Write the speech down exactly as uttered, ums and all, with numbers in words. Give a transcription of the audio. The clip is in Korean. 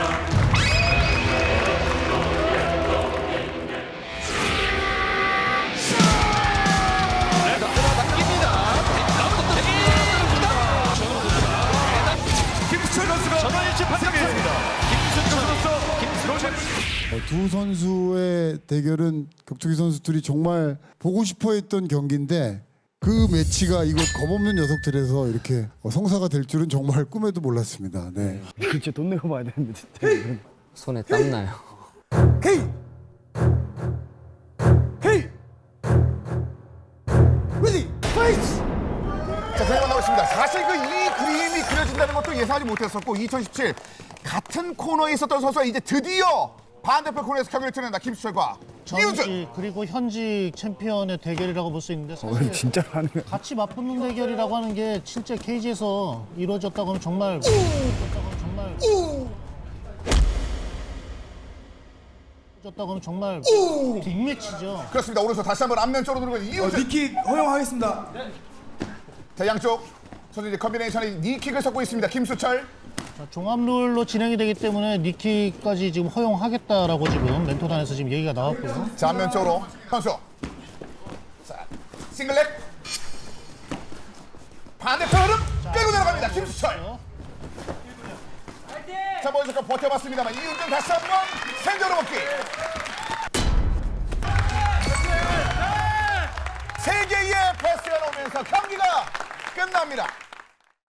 김수철 선수가 전원일치 판정했습니다. 김수철 선수, 김수철 두 선수의 대결은 격투기 선수들이 정말 보고 싶어했던 경기인데 그 매치가 이곳 겁없는 녀석들에서 이렇게 성사가 될 줄은 정말 꿈에도 몰랐습니다. 네. 진짜 돈 내고 봐야 되는데 진짜. 손에 땀 나요. 헤이! 헤이! 레디! 파이트! 자, 결과 나오겠습니다. 사실 그 이 그림이 그려진다는 것도 예상하지 못했었고 이천십칠 같은 코너에 있었던 선수가 이제 드디어 반대편 코너에서 경기를 치른다. 김수철과 이우준. 전직 그리고 현직 챔피언의 대결이라고 볼 수 있는데 사실 진짜로 하는 거야. 같이 맞붙는 대결이라고 하는 게 진짜 케이지에서 이루어졌다고 하면 정말 이루어졌다고 하면 정말 이루어졌다고 하면 정말 빅매치죠. 그렇습니다. 오른손 다시 한번 앞면쪽으로 누르고 있는 이우준. 니킥 허용하겠습니다. 자, 양쪽 선수 이제 컨비네이션이 니킥을 섞고 있습니다. 김수철. 자, 종합 룰로 진행이 되기 때문에 니킥까지 지금 허용하겠다라고 지금 멘토단에서 지금 얘기가 나왔고요. 자, 앞면쪽으로 선수. 자, 싱글렉. 반대편 흐름 끌고 내려갑니다. 김수철. 자, 먼저 버텨봤습니다만 이우준 다시 한번 생존으로 먹기. 세 개의 패스가 나오면서 경기가 끝납니다.